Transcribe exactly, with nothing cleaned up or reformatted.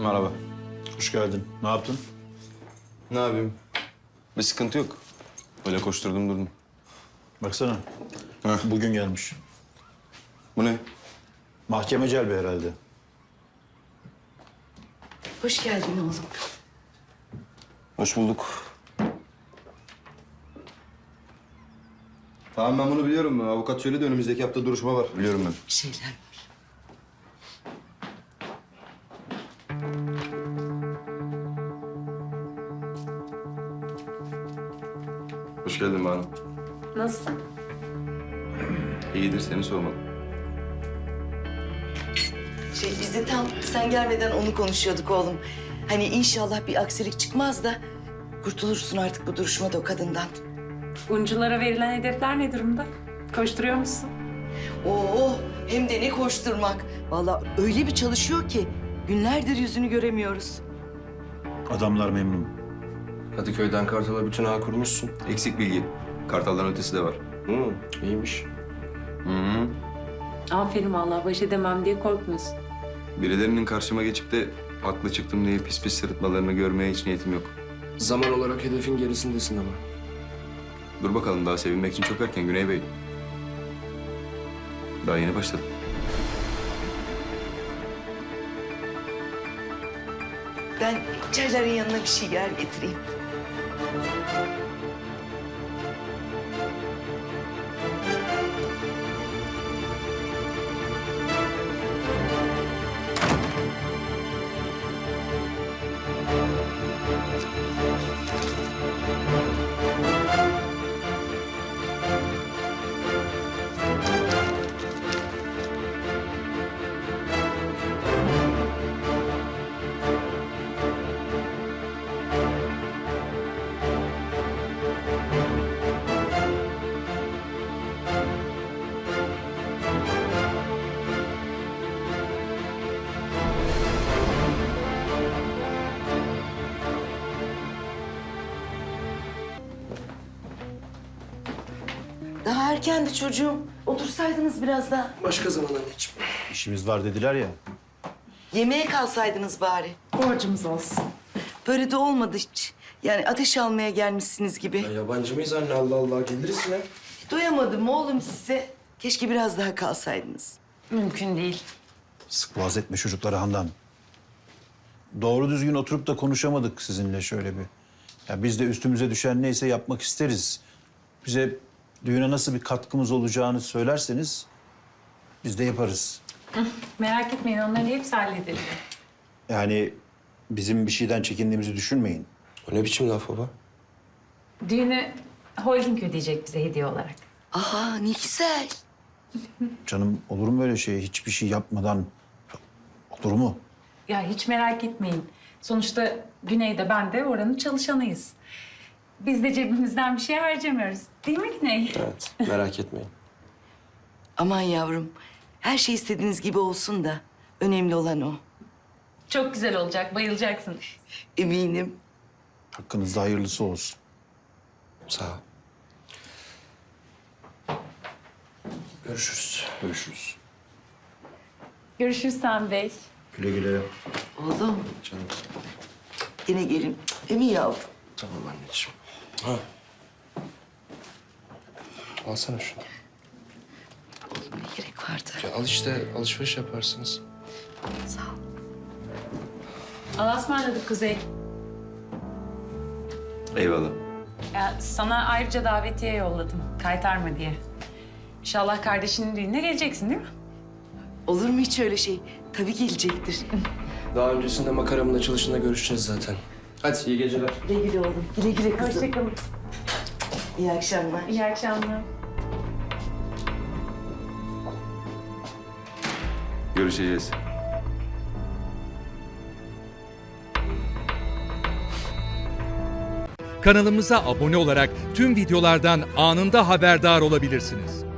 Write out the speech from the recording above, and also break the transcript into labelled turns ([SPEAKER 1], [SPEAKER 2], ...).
[SPEAKER 1] Merhaba. Hoş geldin. Ne yaptın?
[SPEAKER 2] Ne yapayım? Bir sıkıntı yok. Öyle koşturdum durdum.
[SPEAKER 1] Baksana.
[SPEAKER 2] Heh.
[SPEAKER 1] Bugün gelmiş.
[SPEAKER 2] Bu ne?
[SPEAKER 1] Mahkeme celbi herhalde.
[SPEAKER 3] Hoş geldin oğlum.
[SPEAKER 2] Hoş bulduk. Tamam ben bunu biliyorum. Avukat söyledi önümüzdeki hafta duruşma var. Biliyorum ben.
[SPEAKER 3] Bir şeyler var.
[SPEAKER 2] Hoş geldin Banu.
[SPEAKER 4] Nasılsın?
[SPEAKER 2] İyidir seni sormalı.
[SPEAKER 3] Şey biz de tam sen gelmeden onu konuşuyorduk oğlum. Hani inşallah bir aksilik çıkmaz da kurtulursun artık bu duruşmada o kadından.
[SPEAKER 4] Unculara verilen hedefler ne durumda? Koşturuyor musun?
[SPEAKER 3] Oo hem de ne koşturmak. Vallahi öyle bir çalışıyor ki günlerdir yüzünü göremiyoruz.
[SPEAKER 1] Adamlar memnun.
[SPEAKER 2] Kadıköy'den Kartal'a bütün ağ kurmuşsun. Eksik bilgi. Kartal'dan ötesi de var. Hı, iyiymiş. Hı hı.
[SPEAKER 4] Aferin vallahi baş edemem diye korkmuyorsun.
[SPEAKER 2] Birilerinin karşıma geçip de haklı çıktım diye pis pis sırıtmalarını görmeye hiç niyetim yok.
[SPEAKER 5] Zaman olarak hedefin gerisindesin ama.
[SPEAKER 2] Dur bakalım daha sevinmek için çok erken Güney Bey. Daha yeni başladım.
[SPEAKER 3] Ben çayların yanına bir şeyler getireyim. Daha erkendi çocuğum. Otursaydınız biraz daha.
[SPEAKER 5] Başka zaman anneciğim.
[SPEAKER 1] İşimiz var dediler ya.
[SPEAKER 3] Yemeğe kalsaydınız bari.
[SPEAKER 4] Borcumuz olsun.
[SPEAKER 3] Böyle de olmadı hiç. Yani ateş almaya gelmişsiniz gibi.
[SPEAKER 5] Ya yabancı mıyız anne? Allah Allah geliriz yine.
[SPEAKER 3] Doyamadım oğlum size. Keşke biraz daha kalsaydınız.
[SPEAKER 4] Mümkün değil.
[SPEAKER 1] Sık boğaz etme çocukları Handan. Doğru düzgün oturup da konuşamadık sizinle şöyle bir. Ya biz de üstümüze düşen neyse yapmak isteriz. Bize düğüne nasıl bir katkımız olacağını söylerseniz biz de yaparız.
[SPEAKER 4] Merak etmeyin onları hepsi halledilir.
[SPEAKER 1] Yani bizim bir şeyden çekindiğimizi düşünmeyin.
[SPEAKER 5] O ne biçim laf baba?
[SPEAKER 4] Düğünü holding ödeyecek bize hediye olarak.
[SPEAKER 3] Aa ne güzel.
[SPEAKER 1] Canım olur mu öyle şey? Hiçbir şey yapmadan olur mu?
[SPEAKER 4] Ya hiç merak etmeyin. Sonuçta Güney'de ben de oranın çalışanıyız. Biz de cebimizden bir şey harcamıyoruz. Değil mi Güney?
[SPEAKER 5] Evet merak etmeyin.
[SPEAKER 3] Aman yavrum. Her şey istediğiniz gibi olsun da. Önemli olan o.
[SPEAKER 4] Çok güzel olacak, bayılacaksın.
[SPEAKER 3] Eminim.
[SPEAKER 1] Hakkınızda hayırlısı olsun.
[SPEAKER 5] Sağ ol. Görüşürüz.
[SPEAKER 2] Görüşürüz.
[SPEAKER 4] Görüşürüz Sami Bey.
[SPEAKER 1] Güle güle.
[SPEAKER 3] Oğlum
[SPEAKER 5] Canım.
[SPEAKER 3] yine gelin. Değil mi yavrum?
[SPEAKER 5] Tamam anneciğim. Ha. Alsana şunu.
[SPEAKER 3] Oğlum ne gerek vardı?
[SPEAKER 5] Ya al işte alışveriş yaparsınız.
[SPEAKER 3] Sağ ol.
[SPEAKER 4] Allah'a ısmarladık Kuzey.
[SPEAKER 2] Eyvallah.
[SPEAKER 4] Ya sana ayrıca davetiye yolladım. Kaytarma diye. İnşallah kardeşinin düğününe geleceksin değil mi?
[SPEAKER 3] Olur mu hiç öyle şey? Tabii gelecektir.
[SPEAKER 5] Daha öncesinde makaramın açılışında görüşeceğiz zaten. Hadi iyi geceler.
[SPEAKER 3] Güle güle oğlum. Güle güle kızım.
[SPEAKER 4] Hoşçakalın.
[SPEAKER 3] İyi akşamlar.
[SPEAKER 4] İyi akşamlar.
[SPEAKER 2] Görüşeceğiz.
[SPEAKER 6] Kanalımıza abone olarak tüm videolardan anında haberdar olabilirsiniz.